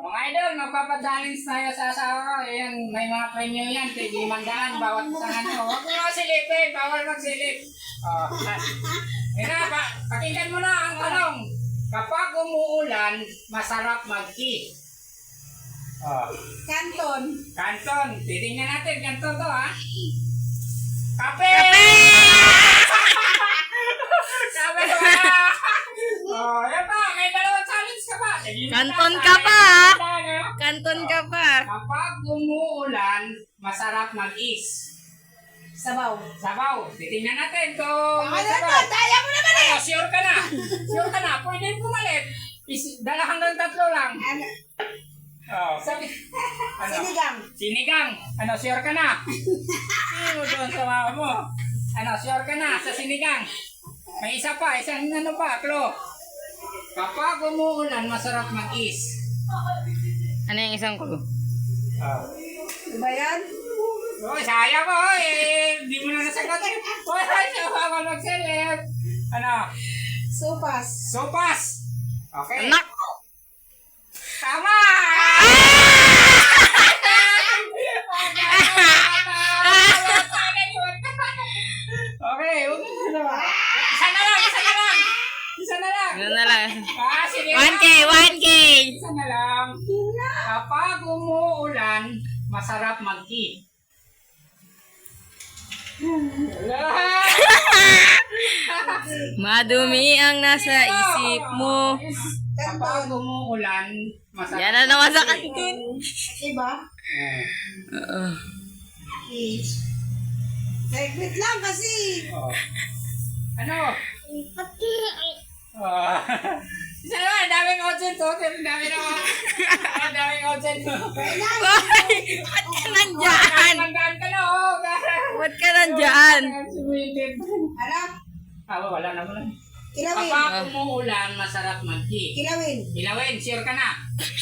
Mga idol, magpapadalins tayo sa asawa ko. Ayan, may mga premyo yan. tig-500 bawat isang ano. Huwag mo na silipin. Bawal magsilip. Pakinggan mo na ang tanong. Kapag umuulan, masarap mag-tea. Kanton. Kanton. Titingnan natin. Kanton to, ha? Kape! Kape wala! Yan pa. May dalawang challenge ka pa. Kanton ka pa, Kanton ka pa. Kapag umuulan, masarap mag-is. Sabaw. Sabaw. Titingnan natin kung may Ano to? sabaw. Daya mo naman eh! Sure ka na. Sure ka na. Pwede pumalit. Dala hanggang 3 lang. Ano? Sabi. Sinigang. Sinigang. Sure ka na. Sino doon sa mama mo? Sure ka na sa sinigang. May isa pa. Isang klo. Kapag umuulan, masarap mag-is. Ano yung isang clue? Diba yan? Sayang ko. Di mo na nasagot. Wala siya. Baka mag-select. Sopas. Sopas. Okay. Anak! Tama! Okay, isa na lang. Ano na lang? Sige 1K, na. 1K! Isa na lang. Kapag umuulan, masarap mag-tea. Madumi ang nasa isip mo. Kapag umuulan, masarap. Yan na naman sa kantin. Diba? Oo. Segwit lang kasi. Ano? Isa naman, daming audience to. Daming audience to. Hoy! Ba't ka nandyan? Nandaan ka na, oh. Ba't ka nandyan? Ano? Wala na mo lang. Kilawin. Kapag umuulan, masarap mag-tea. Kilawin. Ilawin, sure ka na.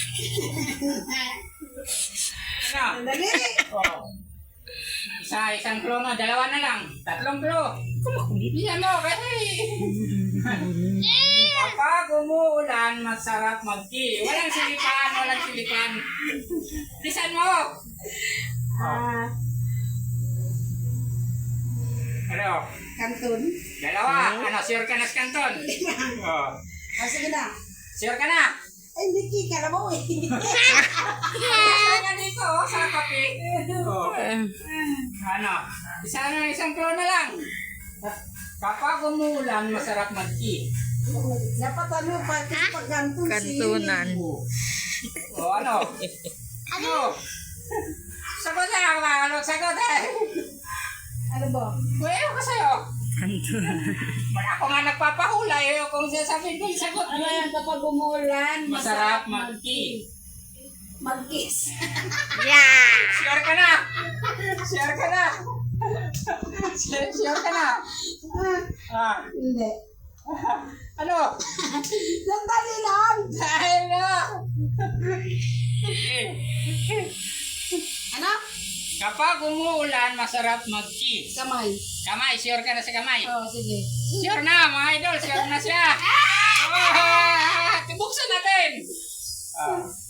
Dali. Isang klo na, 2 na lang. 3 klo. Bibigyan mo, kasi. Kapag umuulan, masarap mag-tea. Walang silipan. Lisan mo. Ano? Kanton. 2. Sure ka na sa kanton? Sige na. Sure ka na? Ay, hindi ka mo eh. Kaya dito, sa kape. Isang klo na lang. Kapag umuulan, masarap mag-tea. Dapat pag kanton Kantunan. Ano? Sagot na. Sagot eh. Ano ba? Well, ko sa'yo. Kantunan. Ako nga nagpapahula kung sasabihin ko yung sagot. Ano yan kapag umulan? Masarap mag-tea. Mag-kiss. Yeah! Sure ka na? Sure ka na? Sure ka na? Hindi. Ano? Sandali lang. Dahil na. Ano? Kapag umuulan, masarap mag-tea. Kamay. Kamay, sure ka na sa kamay? Oo, sige. Sure na, mga idol, sure na siya. Buksan natin.